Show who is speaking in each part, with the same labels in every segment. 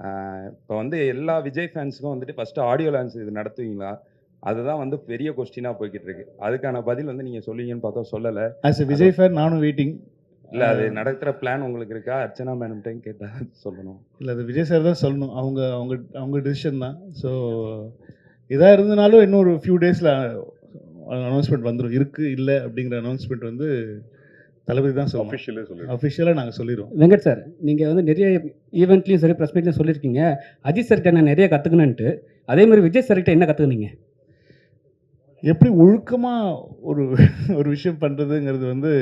Speaker 1: இப்போ வந்து எல்லா விஜய் ஃபேன்ஸுக்கும் வந்துட்டு ஃபஸ்ட்டு ஆடியோ லான்ச் இது நடத்துவீங்களா? அதுதான் வந்து பெரிய கொஸ்டினா போய்க்கிட்டு இருக்கு. அதுக்கான பதில் வந்து நீங்க சொல்லுவீங்கன்னு பார்த்தா சொல்லல.
Speaker 2: ஆஸ் எ விஜய் ஃபேன் நானும் வெயிட்டிங்.
Speaker 1: இல்ல அது நடத்துற பிளான் உங்களுக்கு இருக்கா? அர்ச்சனா மேடம்ட்டயும் கேட்டா சொல்லணும்.
Speaker 2: இல்லை, அது விஜய் சார் தான் சொல்லணும். அவங்க அவங்க அவங்க டிசிஷன் தான். ஸோ இதாக இருந்தனாலும் இன்னும் ஒரு ஃபியூ டேஸில் அனௌன்ஸ்மெண்ட் வந்துடும். இருக்குது இல்லை அப்படிங்கிற அனௌன்ஸ்மெண்ட் வந்து தளபதி தான் சொல்லணும். அஃபிஷியலாக நாங்கள் சொல்லிடுவோம்.
Speaker 3: வெங்கட் சார், நீங்கள் வந்து நிறைய ஈவெண்ட்லையும் சரி ப்ரெஸ் மீட்லையும் சொல்லியிருக்கீங்க, அஜித் சார்கிட்ட நான் நிறைய கற்றுக்கணுன்ட்டு. அதே மாதிரி விஜய் சார்கிட்ட என்ன கற்றுக்குனீங்க?
Speaker 2: எப்படி ஒழுக்கமாக ஒரு ஒரு விஷயம் பண்ணுறதுங்கிறது வந்து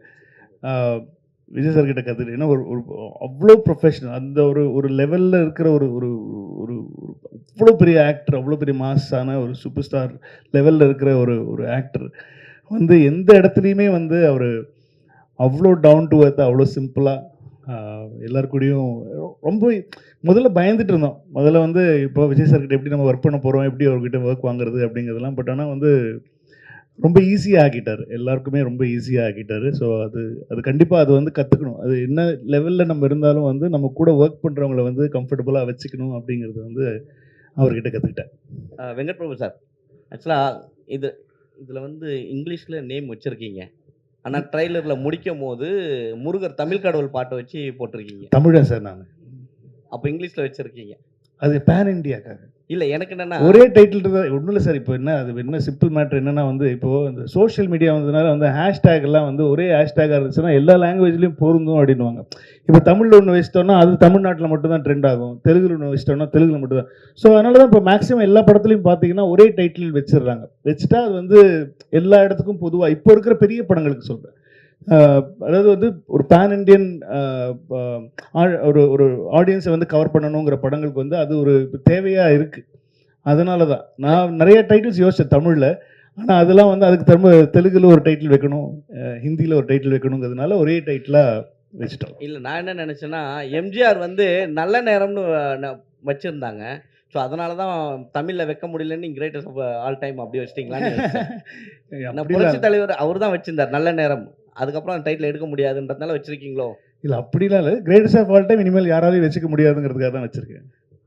Speaker 2: விஜய் சார்கிட்ட கற்றுக்கிட்டு. ஏன்னா ஒரு ஒரு அவ்வளோ ப்ரொஃபஷனல், அந்த ஒரு ஒரு லெவலில் இருக்கிற ஒரு ஒரு ஒரு அவ்வளோ பெரிய ஆக்டர், அவ்வளோ பெரிய மாஸான ஒரு சூப்பர் ஸ்டார் லெவலில் இருக்கிற ஒரு ஒரு ஆக்டர் வந்து எந்த இடத்துலையுமே வந்து அவர் அவ்வளோ டவுன் டு எர்த், அவ்வளோ சிம்பிளாக எல்லாருக்கூடையும் ரொம்ப முதல்ல பயந்துட்டு இருந்தோம். முதல்ல வந்து இப்போ விஜய் சார்கிட்ட எப்படி நம்ம ஒர்க் பண்ண போகிறோம், எப்படி அவர்கிட்ட ஒர்க் வாங்குறது அப்படிங்கிறதெல்லாம். பட் ஆனால் வந்து ரொம்ப ஈஸியாக ஆக்கிட்டார், எல்லாருக்குமே ரொம்ப ஈஸியாக ஆக்கிட்டார். ஸோ அது கண்டிப்பாக அது வந்து கற்றுக்கணும். அது என்ன லெவலில் நம்ம இருந்தாலும் வந்து நம்ம கூட ஒர்க் பண்ணுறவங்கள வந்து கம்ஃபர்டபுளாக வச்சுக்கணும் அப்படிங்கிறது வந்து அவர்கிட்ட கற்றுக்கிட்டேன்.
Speaker 4: வெங்கட் பிரபு சார், ஆக்சுவலாக இதில் வந்து இங்கிலீஷில் நேம் வச்சுருக்கீங்க. ஆனால் ட்ரைலரில் முடிக்கும் போது முருகர் தமிழ் கடவுள் பாட்டை வச்சு போட்டிருக்கீங்க.
Speaker 2: தமிழன் சார் நான்.
Speaker 4: அப்போ இங்கிலீஷில் வச்சுருக்கீங்க.
Speaker 2: அது பேன் இண்டியாக்காக.
Speaker 4: இல்லை, எனக்கு என்னென்னா
Speaker 2: ஒரே டைட்டில் தான். ஒன்றும் இல்லை சார். இப்போ என்ன அது என்ன சிம்பிள் மேட்ரு என்னென்னா வந்து இப்போது இந்த சோஷியல் மீடியா வந்ததுனால வந்து ஹேஷ்டேக் எல்லாம் வந்து ஒரே ஹேஷ்டேக்காக இருந்துச்சுன்னா எல்லா லாங்குவேஜ்லேயும் பொருந்தும் அப்படின்வாங்க. இப்போ தமிழில் ஒன்று வச்சிட்டோம்னா அது தமிழ்நாட்டில் மட்டும்தான் ட்ரெண்ட் ஆகும், தெலுங்குல ஒன்று வச்சிட்டோம்னா தெலுங்குல மட்டும்தான். ஸோ அதனால தான் இப்போ மேக்ஸிமம் எல்லா படத்துலையும் பார்த்தீங்கன்னா ஒரே டைட்டில் வச்சிடுறாங்க. வச்சுட்டா அது வந்து எல்லா இடத்துக்கும் பொதுவாக இப்போ இருக்கிற பெரிய படங்களுக்கு சொல்கிறேன். அதாவது வந்து ஒரு பேன் இண்டியன் ஒரு ஒரு ஆடியன்ஸை வந்து கவர் பண்ணணுங்கிற படங்களுக்கு வந்து அது ஒரு தேவையாக இருக்குது. அதனால தான் நான் நிறைய டைட்டில்ஸ் யோசித்தேன் தமிழில். ஆனால் அதெல்லாம் வந்து அதுக்கு தெலுங்குல ஒரு டைட்டில் வைக்கணும், ஹிந்தியில் ஒரு டைட்டில் வைக்கணுங்கிறதுனால ஒரே டைட்டிலாக வச்சுட்டோம்.
Speaker 4: இல்லை, நான் என்ன நினச்சேன்னா எம்ஜிஆர் வந்து நல்ல நேரம்னு வச்சுருந்தாங்க. ஸோ அதனால தான் தமிழில் வைக்க முடியலன்னு கிரேட்டஸ்ட் ஆஃப் ஆல் டைம் அப்படி வச்சிட்டிங்களான்னு. புரட்சி தலைவர் அவர் தான் வச்சிருந்தார் நல்ல நேரம். அதுக்கப்புறம் அந்த டைட்டில் எடுக்க முடியாதுன்றதுனால வச்சிருக்கீங்களோ?
Speaker 2: இல்லை, அப்படிலாம் இல்லை. கிரேட்டஸ்ட் ஆஃப் ஆல் டைம் இனிமேல் யாராலையும் வச்சுக்க முடியாதுங்கிறதுக்காக தான் வச்சுருக்கேன்.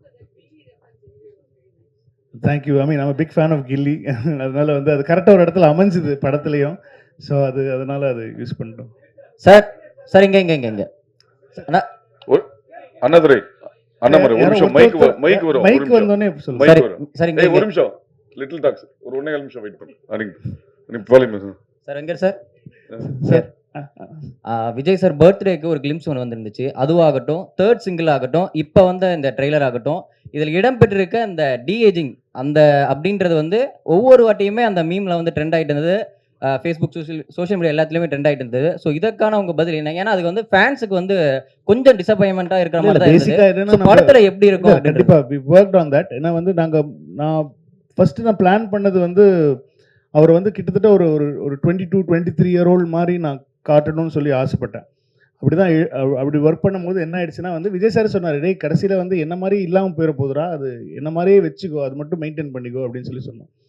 Speaker 2: Thank you. I mean I'm big fan of Ghilli. அதனால வந்து அது கரெக்டாக ஒரு இடத்துல அமைஞ்சுது படத்துலையும். ஸோ அதனால அது யூஸ் பண்ணிட்டோம்.
Speaker 5: சார் இங்கே
Speaker 6: அண்ணாதுரை அண்ணாமலை ஒரு நிமிஷம் மைக் வரும்.
Speaker 2: மைக் வந்தோனே சொல்லுங்க
Speaker 5: சார். இங்கே
Speaker 6: ஒரு நிமிஷம் லிட்டில் டாக்ஸ் ஒரு 1.5 நிமிஷம் வெயிட் பண்ணுங்க.
Speaker 5: Sir Venkat sir, sir Vijay sir பர்த்டேக்கு ஒரு கிளிம்ஸ் ஒன்று வந்துருந்துச்சு. அதுவாகட்டும், தேர்ட் சிங்கிள் ஆகட்டும், இப்போ வந்த இந்த ட்ரெய்லர் ஆகட்டும், இதில் இடம்பெற்றிருக்க இந்த டிஏஜிங் அந்த அப்படின்றது வந்து ஒவ்வொரு வாட்டியுமே அந்த மீமில் வந்து ட்ரெண்ட் ஆகிட்டு இருந்தது. ஃபேஸ்புக், சோஷியல் மீடியா எல்லாத்துலேயுமே ட்ரெண்ட் ஆகிட்டு இருந்தது. ஸோ இதற்கான உங்கள் பதில் என்ன? ஏன்னா அதுக்கு வந்து ஃபேன்ஸுக்கு வந்து கொஞ்சம் டிசப்பாயின்மெண்ட்டாக இருக்கிற மாதிரி தான் இருந்தது. படத்தில் எப்படி இருக்கும்?
Speaker 2: கண்டிப்பாக வி ஒர்க்ட் ஆன் தட். ஏன்னா வந்து நான் ஃபஸ்ட்டு நான் பிளான் பண்ணது வந்து அவர் வந்து கிட்டத்தட்ட ஒரு ஒரு 22-23 இயர் ஓல்டு மாதிரி நான் காட்டணும்னு சொல்லி ஆசைப்பட்டேன். அப்படி ஒர்க் பண்ணும்போது என்ன ஆயிடுச்சுன்னா வந்து விஜய் சார் சொன்னார், டேய் கடைசியில் வந்து என்ன மாதிரி இல்லாமல் போயிட போதுரா, அது என்ன மாதிரியே வச்சுக்கோ, அது மட்டும் மெயின்டைன் பண்ணிக்கோ அப்படின்னு சொல்லி சொன்னோம்.